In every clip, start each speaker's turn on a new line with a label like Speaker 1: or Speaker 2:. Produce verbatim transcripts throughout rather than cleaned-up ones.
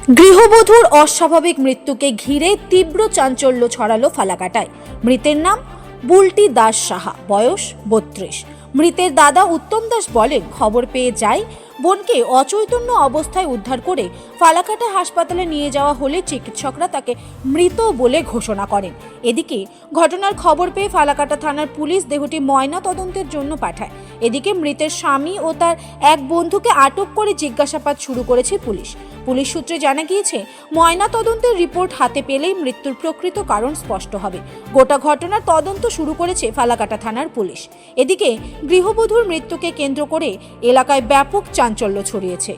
Speaker 1: গৃহবধূর অস্বাভাবিক মৃত্যুকে ঘিরে তীব্র চাঞ্চল্য ছড়ালো ফালাকাটায়। মৃতের নাম বুলটি দাস সাহা, বয়স বত্রিশ। মৃতের দাদা উত্তম দাস বলেন, খবর পেয়ে যায় বোনকে অচৈতন্য অবস্থায় উদ্ধার করে ফালাকাটা হাসপাতালে নিয়ে যাওয়া হলে চিকিৎসকরা তাকে মৃত বলে ঘোষণা করেন। এদিকে ঘটনার খবর পেয়ে ফালাকাটা থানার পুলিশ দেহটি ময়না তদন্তের জন্য পাঠায়। এদিকে মৃতের স্বামী ও তার এক বন্ধুকে আটক করে জিজ্ঞাসাবাদ শুরু করেছে পুলিশ। পুলিশ সূত্রে জানা গিয়েছে, ময়না তদন্তের রিপোর্ট হাতে পেলেই মৃত্যুর প্রকৃত কারণ স্পষ্ট হবে। গোটা ঘটনার তদন্ত শুরু করেছে ফালাকাটা থানার পুলিশ। এদিকে গৃহবধূর মৃত্যুকে কেন্দ্র করে এলাকায় ব্যাপক চাঞ্চল্য ছড়িয়েছে।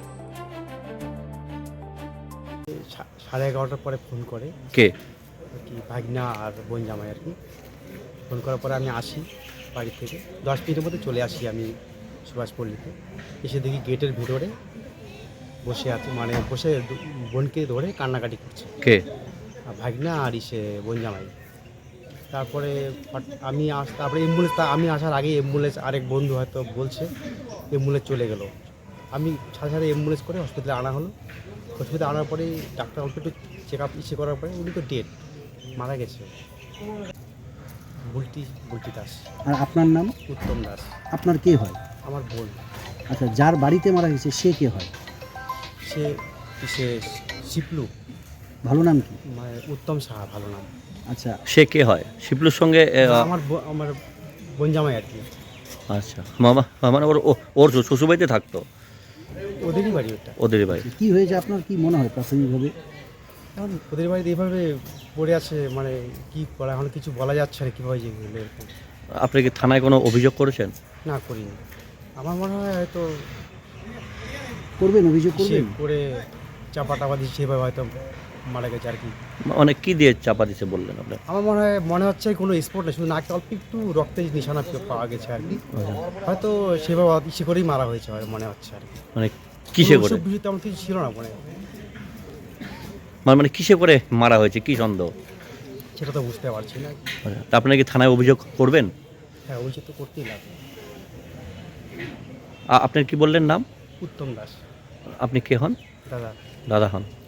Speaker 2: সাড়ে এগারোটার পরে ফোন করে
Speaker 3: কে
Speaker 2: আর কি ভাগনা আর বোন জামাই আর কি। ফোন করার পরে আমি আসি বাড়ি থেকে, দশ মিনিটের মধ্যে চলে আসি আমি সুভাষপল্লিতে। এসে দেখি গেটের ভিতরে বসে আছে, মানে বসে বোনকে ধরে কান্নাকাটি করছে
Speaker 3: কে
Speaker 2: আর ভাগনা আর ইসে বোন জামাই। তারপরে আমি আস তারপরে অ্যাম্বুলেন্স, আমি আসার আগে অ্যাম্বুলেন্স আরেক বন্ধু হয়তো বলছে অ্যাম্বুলেন্স চলে গেল। আমি সাথে সাথে অ্যাম্বুলেন্স করে হসপিটালে আনা হলো। হসপিটালে আনার পরে ডাক্তার অল্প একটু চেক আপ ইসে করার পরে উনি তো ডেড, মারা গেছে। বুলটি বুলটি দাস।
Speaker 4: আর আপনার নাম?
Speaker 2: উত্তম দাস।
Speaker 4: আপনার কে হয়?
Speaker 2: আমার বোন।
Speaker 4: আচ্ছা, যার বাড়িতে মারা গেছে সে কে হয়?
Speaker 2: সে সে শিপলু।
Speaker 4: ভালো নাম কি?
Speaker 2: মানে উত্তম সাহা ভালো নাম।
Speaker 4: আচ্ছা,
Speaker 3: সে কে হয়? শিবলুর সঙ্গে এ,
Speaker 2: আমার ব- আমার বোন জামাই আর কি।
Speaker 3: আচ্ছা, মামা মানে ওর ও- ওর শ্বশুরবাড়িতে থাকতো,
Speaker 2: ওদেরই বাড়ি ওটা।
Speaker 3: ওদের বাড়ি।
Speaker 4: কি হয়েছে আপনার কি মনে হয় প্রাথমিকভাবে?
Speaker 2: এখন ওদের বাড়িতে এইভাবে পড়ে আছে, মানে কি করা এখন কিছু বলা যাচ্ছে না কীভাবে যে হলো এরকম।
Speaker 3: আপনি কি থানায় কোনো অভিযোগ করেছেন?
Speaker 2: না করিনি। আমার মনে হয় হয়তো
Speaker 4: করবেন, অভিযোগ
Speaker 2: সে
Speaker 4: করবেন?
Speaker 2: করে চাপা টাপা দিচ্ছে, সেভাবে হয়তো মারা গেছে আর কি।
Speaker 3: মানে কি দিয়ে চাপা দিতে বললেন আপনি?
Speaker 2: আমার মনে হয় মনে হচ্ছে কোনো স্পট না, শুধু নাকে অল্প একটু রক্তের নিশানা পাওয়া গেছে আর কি। হয়তো সেভাবে ইসে করেই মারা হয়েছে হয় মনে হচ্ছে আর কি।
Speaker 3: মানে কিসে করে?
Speaker 2: অসুখ বিসুখ তেমন কিছু ছিল না মনে হয়।
Speaker 3: মানে মানে কিসে করে মারা হয়েছে, কি সন্দেহ?
Speaker 2: সেটা তো বুঝতে পারছি না।
Speaker 3: আচ্ছা, তা আপনি কি থানায় অভিযোগ করবেন?
Speaker 2: হ্যাঁ, ওই তো করতেই লাগবে।
Speaker 3: আ- আপনার কি বললেন নাম?
Speaker 2: উত্তম দাস।
Speaker 3: আপনি কে হন?
Speaker 2: দাদা।
Speaker 3: দাদা হন।